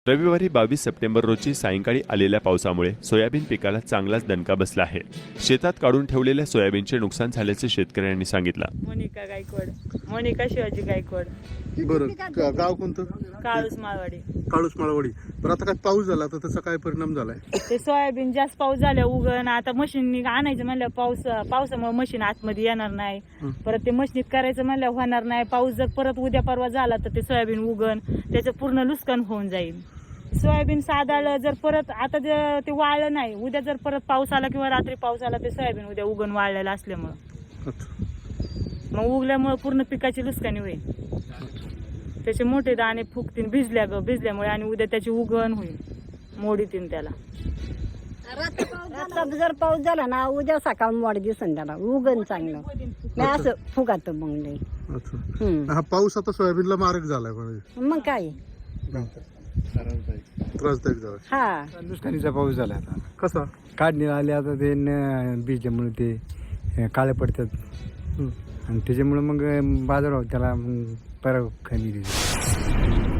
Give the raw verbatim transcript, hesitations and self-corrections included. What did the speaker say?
रविवारी बावीस सप्टेंबर रोजी सायंकाळी आलेल्या पावसामुळे सोयाबीन पिकाला चांगलाच दणका बसला आहे. शेतात काढून ठेवलेल्या सोयाबीनचे नुकसान झाल्याचे शेतकऱ्यांनी सांगितलं. मोनिका गायकवाड, मोनिका शिवाजी गायकवाड, बरं गा- गाव कोणतं? काळूस माळवाडी. काळूस माळवाडी. बरं आता काय पाऊस झाला तर त्याचा काय परिणाम झालाय? ते सोयाबीन जास्त पाऊस झाल्या उगण आता मशीन आणायचं म्हणलं पाऊस पावसामुळे मशीन आतमध्ये येणार नाही. परत ते मशीनीत करायचं म्हणलं होणार नाही. पाऊस जर परत उद्या परवा झाला तर ते सोयाबीन उगण त्याचं पूर्ण नुकसान होऊन जाईल. सोयाबीन साधाळ जर परत आता जर ते वाळलं नाही, उद्या जर परत पाऊस आला किंवा रात्री पाऊस आला ते सोयाबीन उद्या उगण वाळलेलं असल्यामुळं मग उगल्यामुळे पूर्ण पिकाची नुकसानी होईल. त्याचे मोठे दाणे फुगतील भिजल्या ग भिजल्यामुळे आणि उद्या त्याची उगण होईल, मोडीतील त्याला. आता जर पाऊस झाला ना उद्या सकाळ मोड दिसन त्याला उगण चांगलं नाही असं फुगात मग नाही. अच्छा. हा पाऊस आता सोयाबीनला मारक झालाय म्हणजे मग काय त्रासदायक झाला. हा नुकसानीचा पाऊस झाला आता. कसा? काढणी आली आता ते न- बीजामुळे ते अं, काळे पडतात आणि त्याच्यामुळे मग बाजारभाव त्याला मग परत कमी देतात.